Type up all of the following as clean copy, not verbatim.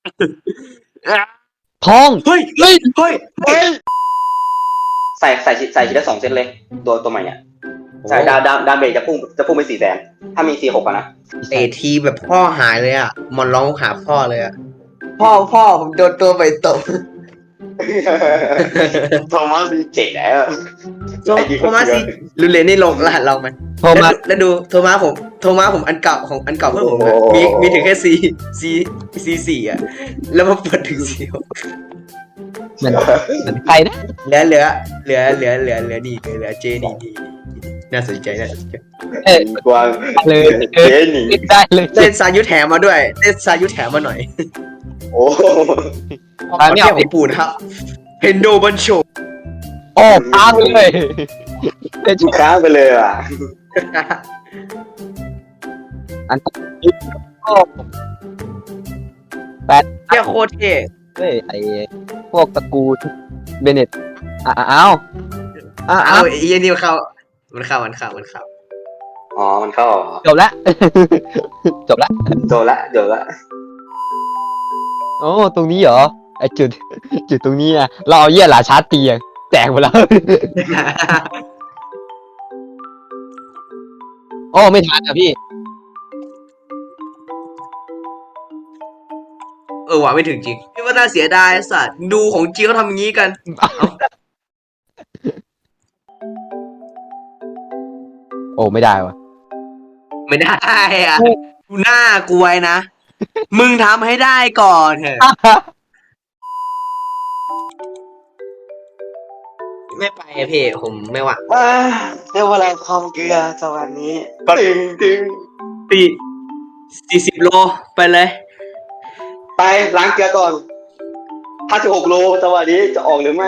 ทองเฮ้ยใส่ทีละ2 เซตเลยตัวใหม่เนี่ยใช่ดาเมจจะพุ่งไป400,000ถ้ามี4-6นะเตะทีแบบพ่อหายเลยอ่ะมันร้องหาพ่อเลยอ่ะพ่อผมโดนตัวไปตบโทมัสเจ๋งแล้วโทมัสสิลุนเลนนี่ลงรหัสเราไหมโทมัสแล้วดูโทมัสผมอันเก่าของอันเก่าเพื่อนผมอะมีถึงแค่C4อ่ะแล้วมาเปิดถึงC6 เหมือนใครนะเหลือนี่เหลือเจนี่น่าสนใจกวางเลยเจนี่ได้เลยเล่นซายุแถมมาด้วยเล่นซายุแถมมาหน่อยโอ้ตอนนี้เทียบของปูนะครับเพนโดบันโชโอ้ค้างเลยทุกครั้งไปเลยอ่ะอันโอ้เที่ยโคตรเท่เฮ้ยไอพวกตระกูลเบเน็ตอ้าวเอาไอ้นี่มันเข้าอ๋อมันเข้าจบละ จบละโดนละโอ้ตรงนี้เหรอไอจุดตรงนี้อะเราเอาเยี่ยหลาชาร์จตีอะแจกหมดแล้ว โอ้ไม่ทันอ่ะพี่หวังไม่ถึงจริงพี่ว่าน่าเสียดายสัตว์ดูของจริงเขาทำอย่างนี้กันโอ้ไม่ได้วะไม่ได้อ่ะดูหน้ากลัวนะ มึงทำให้ได้ก่อนเถอะไม่ไปอะพี่ผมไม่ว่าเดี๋ยวเวลาความเกลือสวัสดีตึง 40 โลไปเลยไปล้างเกลือก่อน56 โลสวัสดีจะออกหรือไม่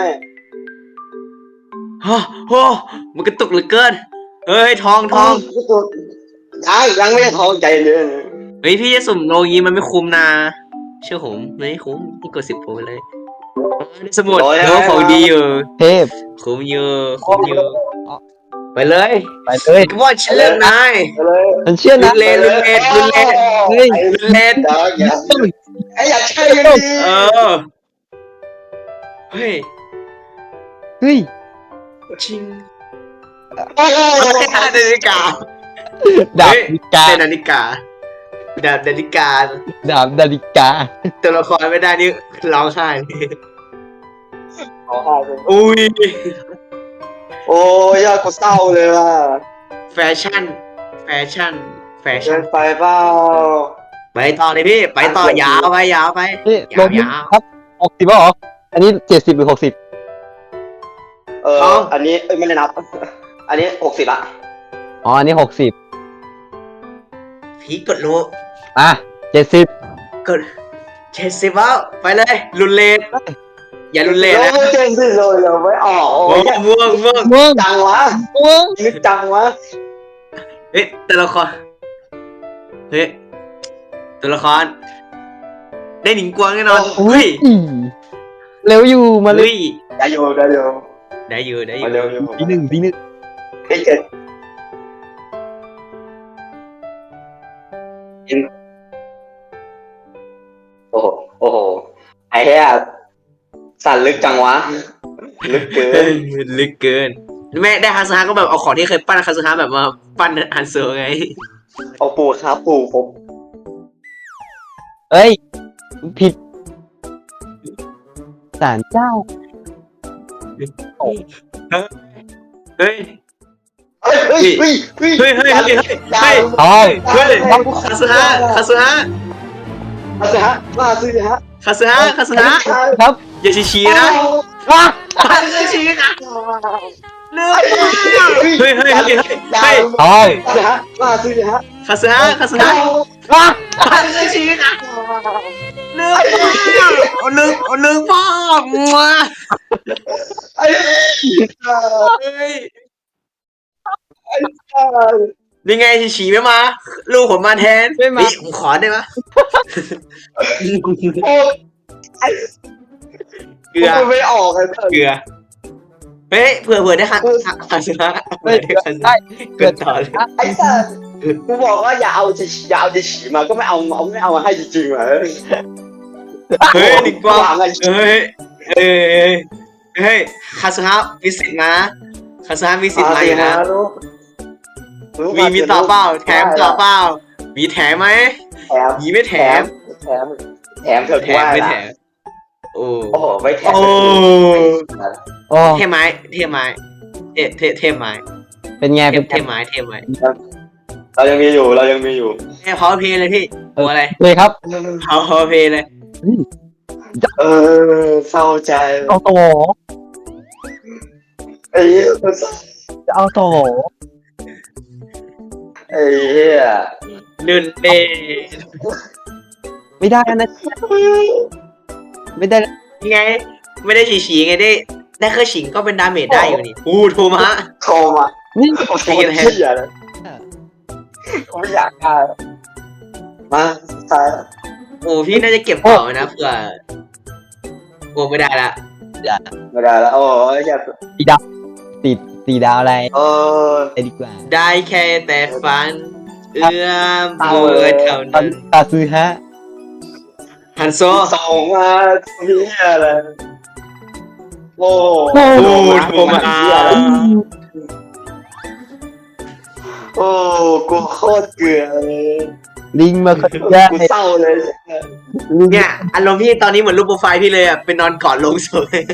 โหมันกระตุกเหลือเกินเฮ้ยทองยังไม่ได้ท้องใจเย็นเฮ้ยพี่จะสุ่มโลงี้มันไม่คุ้มนะเชื่อผมไม่คุ้มพี่กด10 โลไปเลยสมุดของดีอยู่เทพคุ้มเยอะไปเลยไปเลยก็ว่าฉันเลือกนายเลยฉันเชื่อลุนะนเลนเฮ้ยอยากใช่กันดีเฮ้ยเฮ้ยจริงนาฬิกาดาบเฮ้ยนาฬิกาเป็นนาฬิกาดาบนาฬิกาดาบนาฬิกาตัวละครไม่ได้นี่ร้องไห้เลยขอหาเลยอุ้ยโอ้ยยอดกูเศร้าเลยว่ะแฟชั่นเดินนไปเปล่าไปต่อเลยพี่ไปต่อยาวไปนี่ยาวลงนี้ครับ60ป่ะหรออันนี้70หรือ60 อันนี้ไม่ได้นับ อันนี้60ละอ๋ออันนี้60 พี่กดโลอ่ะ70 กด70แล้วไปเลยรุนเลนอย่ารุนเลนนะเจ๋งสิเลยเราไม่ออกโอ้ยม่วงม่วงจังวะม่วงนึกจังวะเฮ้ยตัวละครเฮ้ยตัวละครได้หนิงกวางแน่นอนเฮ้ยเร็วอยู่มาเลยได้อยู่ได้อยู่มาเร็วอยู่ทีหนึ่งเฮ้ยเจ๋งโอ้โหไอ้เหี้ยสั่นลึกจังวะลึกเกินลึกเกินแม่ได้ฮันซาก็แบบเอาของที่เคยปั้นฮันซาแบบมาปั้นฮันเซอร์ไงเอาปู่ครับปู่ผมเอ้ยผิดศาลเจ้าเฮ้ยเฮ้ยทองคาซึฮะมาสิฮะมาสิฮะคาซึฮะครับอย่าชี้นะอย่าชี้นะเลือกเฮ้ยทองมาสิฮะมาสิฮะคาซึฮะอย่าชี้นะเลือกพ่อมาไอ้เฮ้ยนี่ไงฉีไม่มาลูกผมมาแทนผมขอได้ไหมโอ้ไอ้เกลือไม่ออกเลยเกลือเฮ้ยเผื่อได้คาซึฮะได้เกินต่อเลยไอ้สัสกูบอกว่าอย่าเอาจะฉีมาก็ไม่เอามาให้จริงๆเหรอเฮ้ยหนิงกวางวางกันเฮ้ยเฮ้ยเฮ้ยคาสุฮะมีสิทธิ์นะคาสุฮะมีสิทธิ์มาอยู่นะ มีต่อเปล่าแถมต่อเปล่ามีแถมไหมแถมมีไม่แถมแถมเถอะแถกูมว่าไม่แถนะมโอ้โอ้โหไม่แถมโอ้โอ้เทไม้เทไม้เทไม้เป็นไงเทเป็นเทไม้เทไม้เรายังมีอยู่เอ้พาวเพย์เลยพี่ตัวอะไรเลยครับพาวเพย์เลยเออเศร้าใจเอาต่อไอ้เหี้ยจะเอาต่อไอ้เหี้ยลื่นเอไม่ได้นะไม่ได้นะไงไม่ได้ฉีไงได้แค่ฉิงก็เป็นดาเมจได้อยู่นี่อู้โทมะโทรมานี่โอ้โหเหี้ยเลยกูไม่อยากได้มาตายแล้วโอ้พี่น่าจะเก็บต่อนะเผื่อโอ้ไม่ได้ละไม่ได้แล้วโอ้ยอยากตีดาวอะไรเออไปดีกว่าได้แค่แต่ฝันเอื้อมมือเท่านั้นตาซื้อฮะฮันโซส่งมาเหี้ยอะไรโอ้โอ้โอ้โทมะโอ้กูโคตรเกลือเลยลิงมาคนแรกกูเศร้าเลยเนี่ยอารมณ์พี่ตอนนี้เหมือนรูปโปรไฟล์พี่เลยอ่ะเป็นนอนกอดลงศพเลย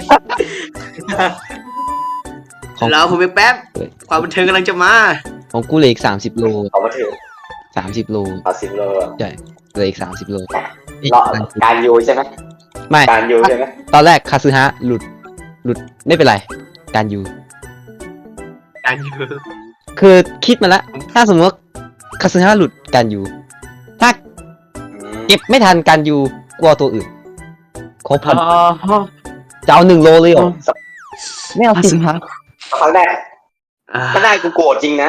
แล้วผมไปแป๊บความบันเทิงกำลังจะมาของกูเหลืออีก30 โลเอามาถึง 30 โลเอา10 โลอะใช่เหลืออีก30 โลรอการยูใช่ไหมไม่การยูใช่ไหมตอนแรกคาซึฮะหลุดไม่เป็นไร การยูการอยู่คือคิดมาแล้วถ้าสมมติว่าคาซึฮะหลุดการยูถ้าเก็บไม่ทันการยูกลัวตัวอื่นครบพันจะเอา1 โลเลยเหรอไม่เอาสิฮะครั้งแรกกูโกรธจริงนะ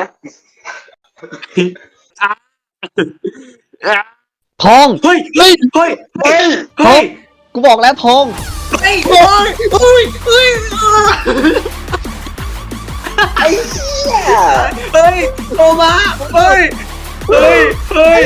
ทองเฮ้ยเฮ้ยเฮ้ยเฮ้ยเฮ้ยกูบอกแล้วทองเฮ้ยเฮ้ยเฮ้ยเฮ้ยไอ้เหี้ยเฮ้ยโทมะเฮ้ยเฮ้ยเฮ้ย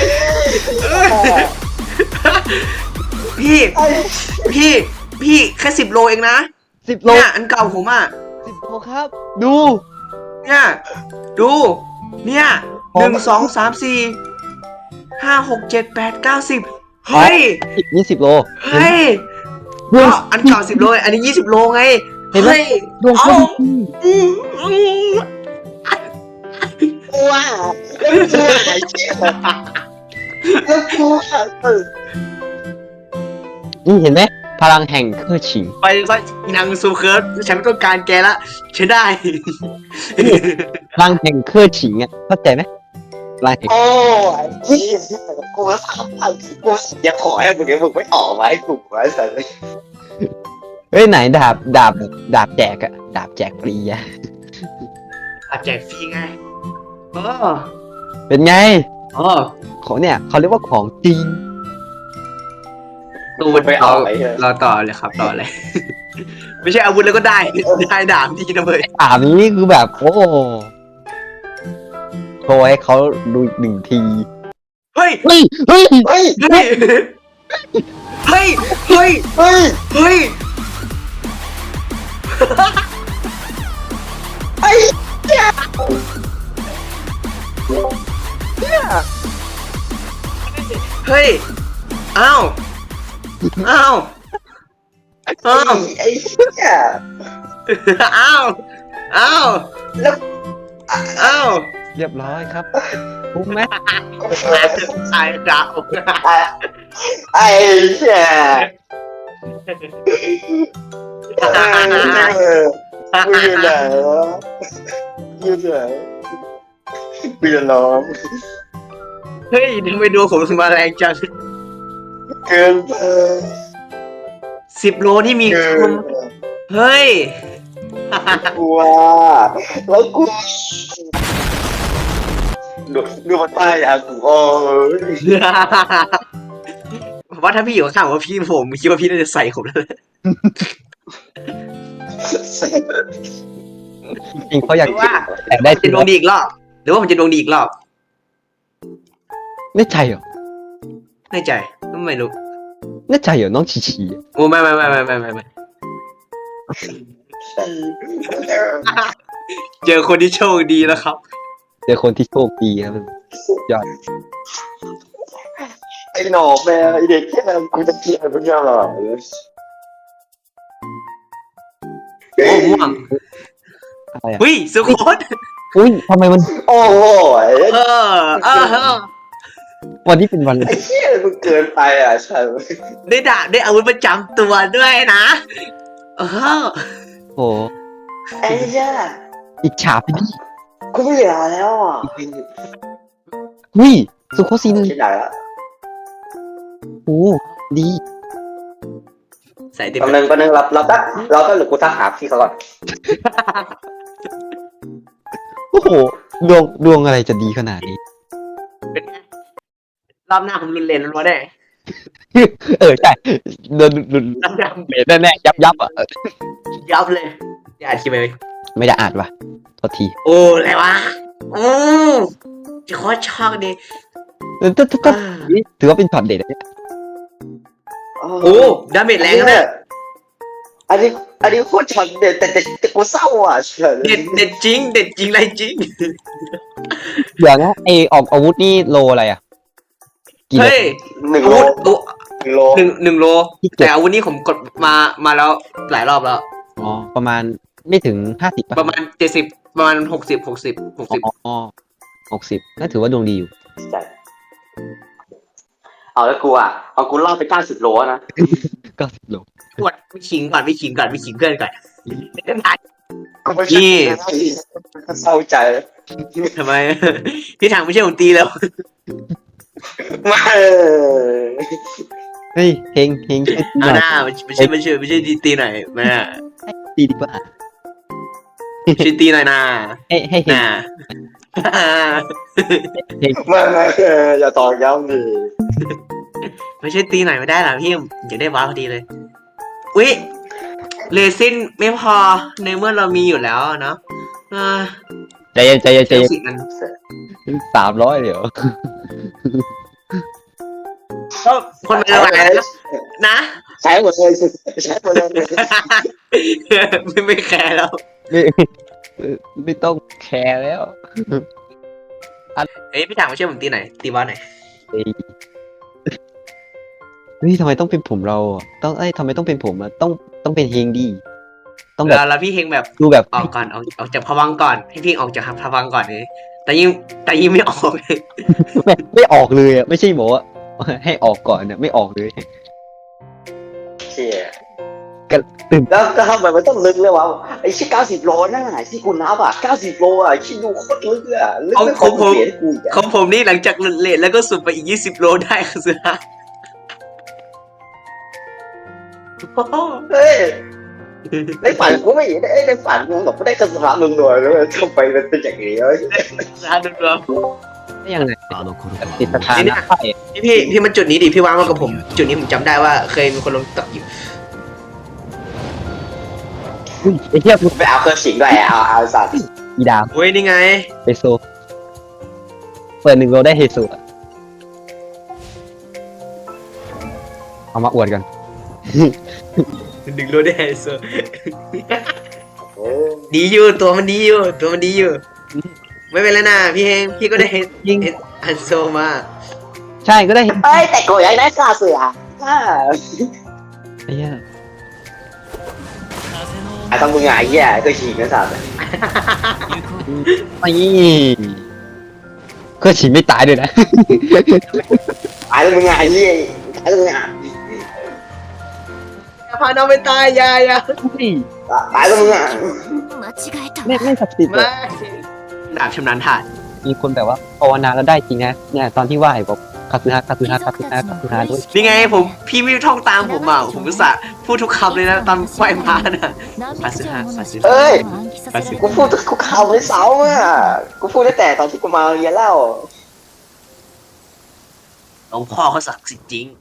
พี่แค่10 โลเองนะ 10 โลเนี่ยอันเก่าผมอ่ะ 10 โลครับ ดูเนี่ยดูเนี่ย1 2 3 4 5 6 7 8 9 10เฮ้ย 20 โลเฮ้ยก็อันเก่า10 โลอันนี้20 โลไงเห็นไหมเฮ้ยดวงเอาเขากูว่าไอ้เหี้ยแล้วกูว่านี่เห็นไหมพลังแห่งเครือฉิงไปซะนางซูเคิร์ฟฉันไม่ต้องการแกละใช้ได้พลังแห่งเครือฉิงอ่ะเข้าใจไหมพลังแห่งโอ้ยเหี้ยกูว่ากูอยากขอให้มึงไม่ออกมาให้กูไว้สัตว์เฮ้ยไหนดาบแจกอะดาบแจกฟรีอะอาแจกฟรีไงเออเป็นไงอ๋อของเนี่ยเขาเรียกว่าของจริงตู้มันไปเอาเราต่อเลยครับต่อเลย ไม่ใช่อาวุธแล้วก็ได้ดาบที่นะเว้ยถามนี้คือแบบ โอ้โชว์ให้เขาดูอีก1 ทีเฮ้ยเฮ้ยเฮ้ยเฮ้ยเฮ้ยเฮ้ยเฮ้ยเฮ้ยเฮ้ยไอ้เหี้ยเฮ้ยอ้าวอ้าวอ้าวไอ้เหี้ยอ้าวอ้าวแล้วอ้าวเรียบร้อยครับคุ้มไหมตายดาวไอ้เหี้ยกูอยู่ไหนวะอยู่ไหนกูจะร้องเฮ้ยทำไมดวงผมถึงมาแรงจังเกินไป 10 โลที่มีเกิคน นเฮ้ยกูว่าแล้วกูดูมันป้ายอ่ะกูโอ้ยผมว่าถ้าพี่อยู่ข้างๆว่าพี่ผมคิดว่าพี่น่าจะใส่ผมแล้วจริงเขาอยากว่าแต่ได้จะดวงดีอีกรอบหรือว่าผมจะดวงดีอีกรอบไม่ใช่เหรอแน่ใจไม่รู้น่าใจเหรอน้องชีชีโอ้ไม่เจอคนที่โชคดีแล้วครับเจอคนที่โชคดีครับยอดไอ้หนอกแม่ไอ้เด็กแค่กูจะเกลียดมึงยังหรอโอ้ม่วงอะไรอ่ะเฮ้ยสุโคตอุ้ยทำไมมันโอ้โหเออวันนี้เป็นวันไอ้เหี้ยมึงเกินไปอ่ะใช่ได้ดาบได้อาวุธประจำตัวด้วยนะเออโอ้ไอ้เหี้ยอิจฉาไปดิกูไม่เหลือแล้วอ่ะหุ้ยสุโคซีนที่ไหนละโอ้ดีใส่เต็มกำลังเราต้องหรือกูทักหาพี่เขาก่อนโอ้โหดวงอะไรจะดีขนาดนี้เป็นไงรอบหน้าผมรุนแรงแล้ววะได้ใช่โดนหลุดรอบหน้าผมเบสแน่ๆยับอ่ะยับเลยอย่าอัดคลิปไปไม่ได้อ่านว่ะโทษทีโอ้อะไรวะโอ้จะโคตรช็อกดิถือว่าเป็นช็อตเด็ดนะเนี่ยโอ้ดาเมจแรงนะอันนี้โคตรช็อตเด็ดแต่กูเศร้าอ่ะเฉยเด็ดจริงไรจริงเดี๋ยวนะไอออกอาวุธนี่โลอะไรอ่ะกี่โลเฮ้ยหนึ่งอาโลวุธโลหนึ่งโลแต่อาวุธนี้ผมกดมาแล้วหลายรอบแล้วอ๋อประมาณไม่ถึง50ป่ะประมาณ70ประมาณ60 อ๋อ60น่าถือว่าดวงดีอยู่เอาแล้วกูอ่ะเอากูรอบไป90 โลนะ 90โลปวดไปขิงเพื่อนก่อนกูไม่ใช่เศร้าใจทำไม พี่ถังไม่ใช่ผมตีแล้วไม่เฮ้ยเฮงช่วยตีหเอาน่อยหน้าไม่ใช่ตีหน่อยแม่ตีดีกว่าช่วยตีหน่อยนะให้เฮงน่าไม่อย่าตอกย้ำดิไม่ใช่ตีหน่อยไม่ได้หรอพี่อยากได้ว้าวพอดีเลยอุ๊ยเรซินไม่พอในเมื่อเรามีอยู่แล้วเนาะใจเย็นสิมัน 300เดี๋ยวก็คนมันหลายนะใช้หมดเลยใช้หมดเลยไม่แคร์แล้วไม่ต้องแคร์แล้วเอ้ยพี่ถังมาช่วยผมตีหน่อยตีบอลหน่อยเฮ้ยทำไมต้องเป็นผมเราอ่ะทำไมต้องเป็นผมอ่ะต้องเป็นเฮงดีต้องแบบแล้วพี่เฮงแบบดูแบบออกก่อนออกจากภวังค์ก่อนให้พี่ออกจากภวังค์ก่อนเลยแต่ยิ่งไม่ออกเลยไม่ออกเลยอ่ะไม่ใช่บอกว่าให้ออกก่อนเนี่ยไม่ออกเลยเชี่ยก็ตื่นแล้วทำไมมันต้องลึกเลยวะไอ้ชิ้น90 โลนั่นน่ะที่กูนับอ่ะ90 โลอ่ะคิดดูโคตรลึกอ่ะลึกไม่พอเปลี่ยนกูอีกของผมนี่หลังจากหลุดเลทแล้วก็สุดไปอีก20 โลได้ค่ะเสือเฮ้ยในฝันกูไม่เห็นในฝันกูแบบไม่ได้กระสับมึงหน่อยเลยทำไมมันเป็นอย่างนี้เอ้ยร้านรวมได้ยังไงติดสถานะไฟพี่มาจุดนี้ดิพี่วางมากับผม จุดนี้ผมจำได้ว่าเคยมีคนลงตักอยู่ไอ้เหี้ยมึงไปเอาเครื่องสิงด้วยเอาสัตว์อีดาวเฮ้ยนี่ไงเฮโซเปิด1 โลได้เฮโซอะเอามาอวดกันดึงโลได้เซอร์ดีอยู่ตัวมันดีอยู่ ไม่เป็นไรนะพี่เฮงพี่ก็ได้ยิงอันโซมาใช่ก็ได้เอ้ยแต่กูอยากได้ซาเสือไอ้เหี้ยไอ้ต้องมึงไงเหี้ยเคยฉีกนะสัตว์ไอ้ก็ฉีดไม่ตายด้วยนะไอ้ต้องมึงไงเหี้ยไอ้ต้องมึงไงอย่าพาน้องไปตายอย่าไอ้ต้องมึงไงไม่ศักดิ์สิทธิ์มาดาบชำนาญถาดมีคนแบบว่าภาวนาแล้วได้จริงนะเนี่ยตอนที่ไหว้บอกคาซึฮะด้วยนี่ไงพี่ไม่ท่องตามผมอ่ะผมก็สะพูดทุกคำเลยนะตอนไหวพระน่ะเอ้ยกูพูดกูข่าวไม่เสาอ่ะกูพูดตั้งแต่ตอนที่กูมาเรียนแล้วหลวงพ่อเขาศักดิ์สิทธิ์จริง